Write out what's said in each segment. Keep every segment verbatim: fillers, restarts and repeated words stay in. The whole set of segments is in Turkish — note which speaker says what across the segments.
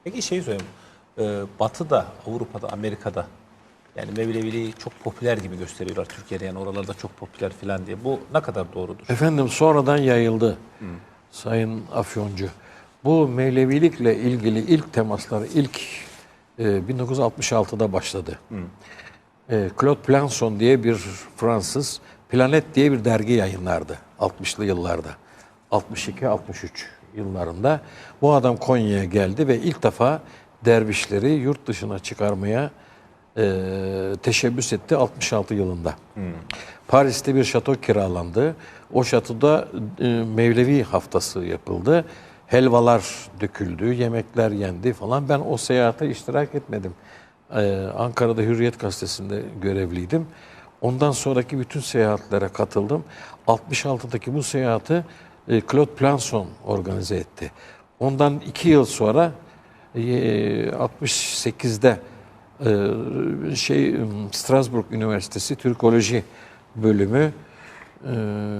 Speaker 1: Peki şeyi söyleyeyim. Ee, Batı'da, Avrupa'da, Amerika'da yani Mevleviliği çok popüler gibi gösteriyorlar Türkiye'de, yani oralarda çok popüler falan diye. Bu ne kadar doğrudur?
Speaker 2: Efendim sonradan yayıldı hmm. Sayın Afyoncu. Bu Mevlevilikle ilgili ilk temaslar ilk e, bin dokuz yüz altmış altıda başladı. Hmm. E, Claude Planson diye bir Fransız Planet diye bir dergi yayınlardı altmışlı yıllarda. altmış iki altmış üç yıllarında. Bu adam Konya'ya geldi ve ilk defa dervişleri yurt dışına çıkarmaya e, teşebbüs etti altmış altı yılında. Hmm. Paris'te bir şato kiralandı. O şatoda e, Mevlevi haftası yapıldı. Helvalar döküldü, yemekler yendi falan. Ben o seyahate iştirak etmedim. Ee, Ankara'da Hürriyet Gazetesi'nde görevliydim. Ondan sonraki bütün seyahatlere katıldım. altmış altıdaki bu seyahati e, Claude Planson organize etti. Ondan iki yıl sonra e, altmış sekizde e, şey Strasbourg Üniversitesi Türkoloji bölümü e,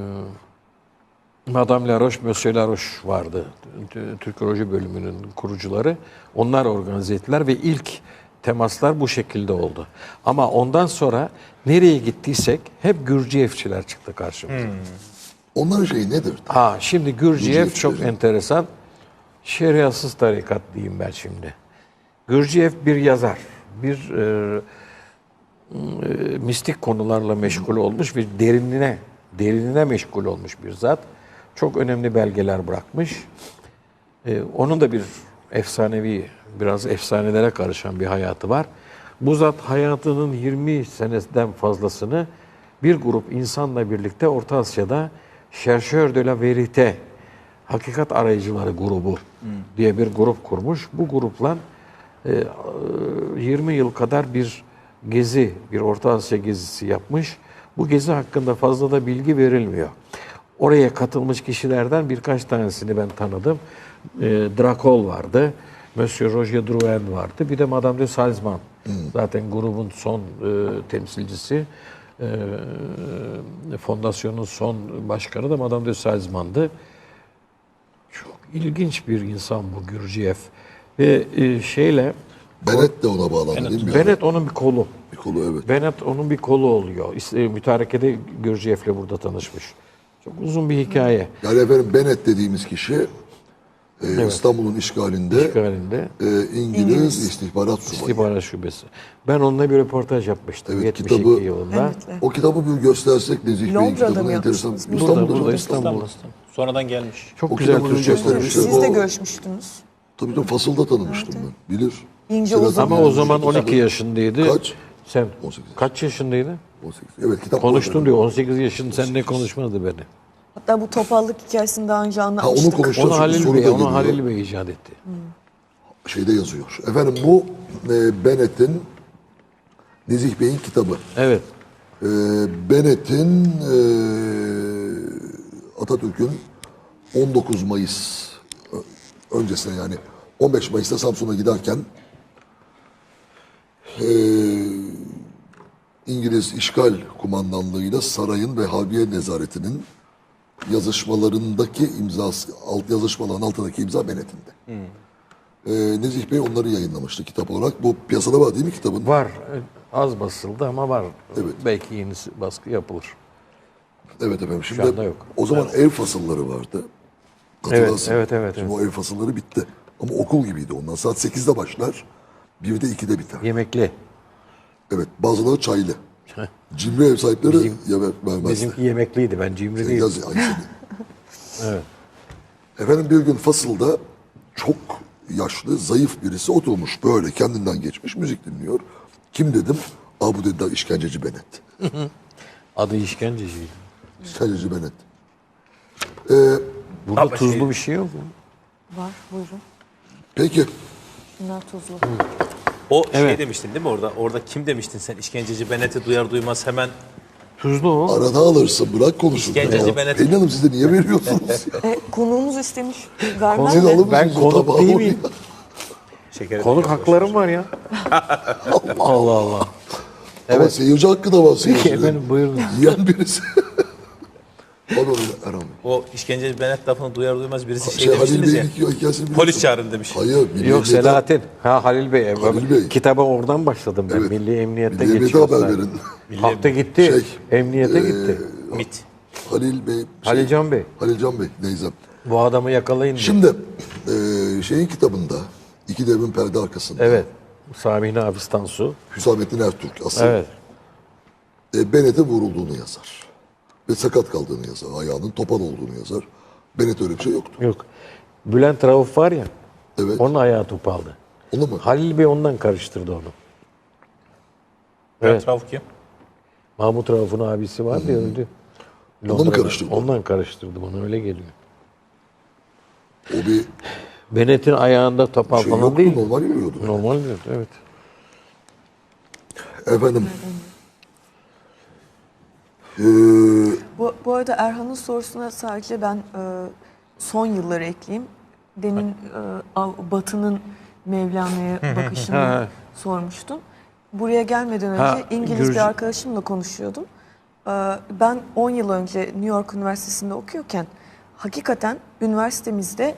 Speaker 2: Madame Laroche, Monsieur Laroche vardı. Türkoloji bölümünün kurucuları. Onlar organize ettiler ve ilk temaslar bu şekilde oldu. Ama ondan sonra nereye gittiysek hep Gürciyevçiler çıktı karşımıza. Hmm.
Speaker 3: Onların şeyi nedir?
Speaker 2: Ha, şimdi Gürciyev çok enteresan. Şeriatsız tarikat diyeyim ben şimdi. Gürciyev bir yazar. Bir e, e, mistik konularla meşgul olmuş ve derinine, derinine meşgul olmuş bir zat. Çok önemli belgeler bırakmış. Ee, onun da bir efsanevi, biraz efsanelere karışan bir hayatı var. Bu zat hayatının yirmi seneden fazlasını bir grup insanla birlikte Orta Asya'da Chercheurs de la Vérité, Hakikat Arayıcıları grubu hmm. diye bir grup kurmuş. Bu grupla e, yirmi yıl kadar bir gezi, bir Orta Asya gezisi yapmış. Bu gezi hakkında fazla da bilgi verilmiyor. Oraya katılmış kişilerden birkaç tanesini ben tanıdım. E, Drakol vardı, Monsieur Roger Drouin vardı, bir de Madame de Salzman. Hmm. Zaten grubun son e, temsilcisi, e, fondasyonun son başkanı da Madame de Salzman'dı. Çok ilginç bir insan bu Gürciyev. Ve e, şeyle...
Speaker 3: Bennett de ona bağlandı değil mi?
Speaker 2: Bennett onun bir kolu.
Speaker 3: Bir kolu, evet.
Speaker 2: Bennett onun bir kolu oluyor. Mütarekede Gürciyev'le burada tanışmış. Çok uzun bir hikaye.
Speaker 3: Yani efendim Bennett dediğimiz kişi e, evet. İstanbul'un işgalinde,
Speaker 2: işgalinde
Speaker 3: e, İngiliz, İngiliz istihbarat subayı.
Speaker 2: İstihbarat şubesi. Ben onunla bir röportaj yapmıştım evet, yetmiş iki
Speaker 3: kitabı,
Speaker 2: yılında.
Speaker 3: Evet. O kitabı bir göstersek Nezih Bey'in kitabını enteresan.
Speaker 2: İstanbul'da, burada, İstanbul'da.
Speaker 1: Sonradan gelmiş.
Speaker 2: Çok
Speaker 3: o
Speaker 2: güzel Türkçe
Speaker 4: Siz de o, görüşmüştünüz.
Speaker 3: Tabii de Fasıl'da tanımıştım evet. ben. Bilir.
Speaker 4: İnce o
Speaker 2: Ama o zaman on iki yaşındaydı.
Speaker 3: Kaç?
Speaker 2: Sen on sekiz kaç yaşındaydın?
Speaker 3: on sekiz. Evet, kitap
Speaker 2: konuştun diyor. on sekiz yaşında sen ne konuşmadı beni.
Speaker 4: Hatta bu topallık hikayesini daha önce anlatmıştık.
Speaker 3: Ha, onu konuşacağız.
Speaker 2: Onu Halil Bey, onu Halil Bey icat etti. Hmm.
Speaker 3: Şeyde yazıyor. Efendim bu e, Bennett'in Nezih Bey'in kitabı.
Speaker 2: Evet.
Speaker 3: E, Bennett'in e, Atatürk'ün on dokuz Mayıs öncesine, yani on beş Mayıs'ta Samsun'a giderken e, İngiliz işgal kumandanlığıyla sarayın ve Harbiye Nezareti'nin yazışmalarındaki imzası, alt yazışmaların altındaki imza Bennett'inde. Hmm. Ee, Nezih Bey onları yayınlamıştı kitap olarak. Bu piyasada var değil mi kitabın?
Speaker 2: Var. Az basıldı ama var.
Speaker 3: Evet.
Speaker 2: Belki yeni baskı yapılır.
Speaker 3: Evet efendim. Şimdi
Speaker 2: şu anda yok.
Speaker 3: O zaman evet. ev fasılları vardı.
Speaker 2: Evet, evet, evet.
Speaker 3: Şimdi
Speaker 2: evet.
Speaker 3: o ev fasılları bitti. Ama okul gibiydi ondan. Saat sekizde başlar. birde ikide biter.
Speaker 2: Yemekli.
Speaker 3: Evet. Bazıları çaylı. Cimri ev sahipleri
Speaker 2: Bizim,
Speaker 3: vermezler.
Speaker 2: Bizimki yemekliydi. Ben cimri değilim.
Speaker 3: Yaz,
Speaker 2: evet.
Speaker 3: Efendim bir gün fasılda çok yaşlı, zayıf birisi oturmuş böyle kendinden geçmiş, müzik dinliyor. Kim dedim? Aa, bu dediler işkenceci Bennett.
Speaker 2: Adı işkenceciydi.
Speaker 3: İşkenceci Bennett. Ee,
Speaker 2: Burada Ama tuzlu şey... bir şey yok mu?
Speaker 4: Var, buyurun.
Speaker 3: Peki.
Speaker 4: Bunlar tuzlu.
Speaker 1: Hı. O evet. şey demiştin değil mi orada? Orada kim demiştin sen? İşkenceci Bennett'i duyar duymaz hemen...
Speaker 2: Tuzlu o.
Speaker 3: Arada alırsın, bırak konuşun.
Speaker 1: İşkenceci Bennett'i...
Speaker 3: Pelin Hanım siz de niye veriyorsunuz ya?
Speaker 4: e, konuğumuz istemiş. Vermem
Speaker 2: Konu, ben konuk değil miyim? Konuk haklarım var ya. Allah Allah.
Speaker 3: Ama evet. Seyirci hakkı da var seyircide.
Speaker 2: Peki efendim buyurun.
Speaker 3: Yiyen birisi. Pardon Erhan Bey.
Speaker 1: O işkenceci Benet lafını duyar duymaz birisi şey,
Speaker 3: Şey, Halil
Speaker 1: demiştiniz
Speaker 3: Bey'in
Speaker 1: ya.
Speaker 3: hikaye- hikayesini biliyorsun.
Speaker 1: Polis çağırın demiş.
Speaker 3: Hayır. Milli
Speaker 2: Yok
Speaker 3: Emniyet'e-
Speaker 2: Selahattin. Ha Halil Bey.
Speaker 3: Halil Bey.
Speaker 2: Kitaba oradan başladım ben.
Speaker 3: Evet.
Speaker 2: Milli Emniyet'te
Speaker 3: Milli Emniyet'e
Speaker 2: geçiyor.
Speaker 3: haber
Speaker 2: zaten.
Speaker 3: verin.
Speaker 2: Kalktı gitti.
Speaker 3: Şey,
Speaker 2: Emniyete gitti.
Speaker 1: MIT.
Speaker 3: Halil Bey. Şey,
Speaker 2: Halilcan Bey.
Speaker 3: Halilcan Bey. Neyse.
Speaker 2: Bu adamı yakalayın diye.
Speaker 3: Şimdi e, şeyin kitabında iki devrin perde arkasında.
Speaker 2: Evet. Sami Nafiz Tansu.
Speaker 3: Hüsamettin Ertürk asıl
Speaker 2: Evet.
Speaker 3: e, Bennett'e vurulduğunu yazar. Ve sakat kaldığını yazar. Ayağının topal olduğunu yazar. Bennett öyle bir şey yoktu.
Speaker 2: Yok. Bülent Rauf var ya.
Speaker 3: Evet.
Speaker 2: Onun ayağı topaldı.
Speaker 3: Onu mu?
Speaker 2: Halil Bey ondan karıştırdı onu.
Speaker 1: Evet.
Speaker 2: Evet.
Speaker 1: Rauf kim?
Speaker 2: Mahmut Rauf'un abisi var ya öldü.
Speaker 3: Ondan mı
Speaker 2: Londra'da.
Speaker 3: karıştırdı?
Speaker 2: Ondan karıştırdı bana öyle geliyor.
Speaker 3: O bir
Speaker 2: Bennett'in ayağında topal
Speaker 3: şey
Speaker 2: falan
Speaker 3: yoktu.
Speaker 2: değil.
Speaker 3: Normal yürüyordu.
Speaker 2: Normal diyor, evet.
Speaker 3: Efendim. Ee,
Speaker 4: Bu, bu arada Erhan'ın sorusuna sadece ben e, son yılları ekleyeyim. Demin e, Av- Batı'nın Mevlana'ya bakışını
Speaker 2: Ha.
Speaker 4: sormuştum. Buraya gelmeden önce
Speaker 2: Ha,
Speaker 4: İngiliz
Speaker 2: Gürcü-
Speaker 4: bir arkadaşımla konuşuyordum. E, ben on yıl önce New York Üniversitesi'nde okuyorken hakikaten üniversitemizde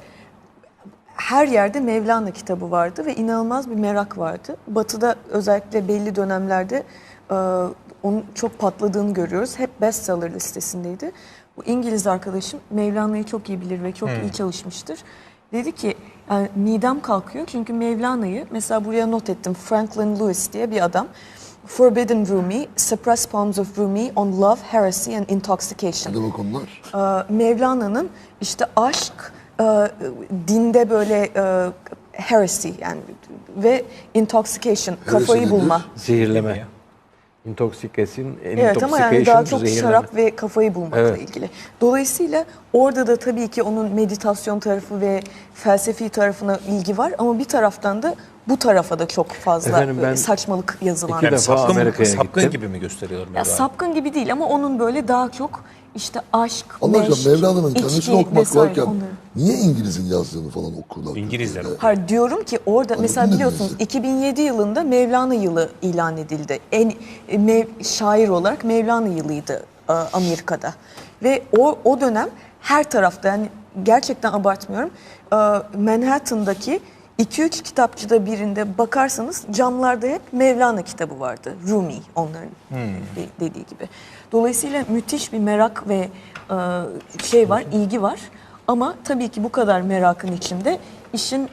Speaker 4: her yerde Mevlana kitabı vardı ve inanılmaz bir merak vardı. Batı'da özellikle belli dönemlerde e, onun çok patladığını görüyoruz. Hep bestseller listesindeydi. Bu İngiliz arkadaşım Mevlana'yı çok iyi bilir ve çok iyi çalışmıştır. Dedi ki yani midem kalkıyor çünkü Mevlana'yı mesela buraya not ettim. Franklin Lewis diye bir adam. Forbidden Rumi, Suppressed Poems of Rumi on Love, Heresy and Intoxication.
Speaker 3: ne demek onlar?
Speaker 4: Ee, Mevlana'nın işte aşk, e, dinde böyle e, heresy yani ve intoxication, kafayı
Speaker 3: nedir?
Speaker 4: bulma.
Speaker 2: Zehirleme. Intoxication,
Speaker 4: Evet ama yani daha çok
Speaker 2: zehirleme.
Speaker 4: şarap ve kafayı bulmakla
Speaker 2: Evet.
Speaker 4: ilgili. Dolayısıyla orada da tabii ki onun meditasyon tarafı ve felsefi tarafına ilgi var ama bir taraftan da bu tarafa da çok fazla
Speaker 2: Efendim ben
Speaker 4: böyle saçmalık yazılan.
Speaker 2: iki
Speaker 1: Yani
Speaker 2: defa
Speaker 1: sapkın,
Speaker 2: Amerika'ya
Speaker 1: sapkın
Speaker 2: gittim.
Speaker 1: gibi mi gösteriyor
Speaker 4: Ya
Speaker 1: Mevlana?
Speaker 4: sapkın gibi değil ama onun böyle daha çok işte aşk,
Speaker 3: Allah
Speaker 4: meşk,
Speaker 3: aşkına Mevlana'nın
Speaker 4: içki
Speaker 3: kendisini okumak
Speaker 4: vesaire
Speaker 3: varken
Speaker 4: onları.
Speaker 3: niye İngiliz'in yazdığını falan okurlar?
Speaker 1: İngilizler
Speaker 3: Türkiye'de?
Speaker 4: Hayır diyorum ki orada mesela
Speaker 3: ne
Speaker 4: biliyorsunuz
Speaker 3: diyorsun?
Speaker 4: iki bin yedi yılında Mevlana yılı ilan edildi. En e, mev, şair olarak Mevlana yılıydı e, Amerika'da. Ve o o dönem her tarafta yani gerçekten abartmıyorum. e, Manhattan'daki iki üç kitapçıda birinde bakarsanız camlarda hep Mevlana kitabı vardı. Rumi onların de- dediği gibi. Dolayısıyla müthiş bir merak ve e, şey var, ilgi var. Ama tabii ki bu kadar merakın içinde işin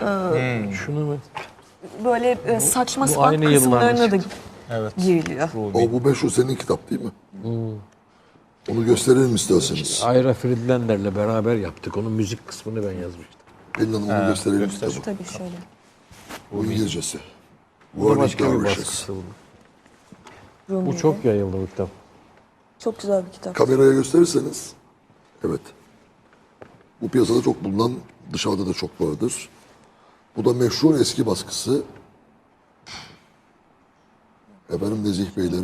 Speaker 4: e,
Speaker 2: Şunu mu?
Speaker 4: böyle e, saçma
Speaker 2: bu
Speaker 4: sapan
Speaker 2: aynı yıllarda
Speaker 4: kısımlarına da
Speaker 1: Evet.
Speaker 4: giriliyor.
Speaker 3: O bu meşhur senin kitap değil mi? Onu gösterelim isterseniz.
Speaker 2: Ayra Friedlander'le beraber yaptık. Onun müzik kısmını ben yazmıştım.
Speaker 3: Pelin Hanım onu gösterelim
Speaker 1: göster.
Speaker 3: kitabı.
Speaker 4: Tabii şöyle.
Speaker 3: Bu İngilizcesi.
Speaker 2: Bu
Speaker 3: Warning
Speaker 2: başka bir
Speaker 3: Dervishes.
Speaker 2: baskısı bu. Bu
Speaker 4: Rumi'de.
Speaker 2: çok yayıldı bu kitap.
Speaker 4: Çok güzel bir kitap.
Speaker 3: Kameraya gösterirseniz. Evet. Bu piyasada çok bulunan, dışarıda da çok vardır. Bu da meşhur eski baskısı. Efendim Nezih Beylerin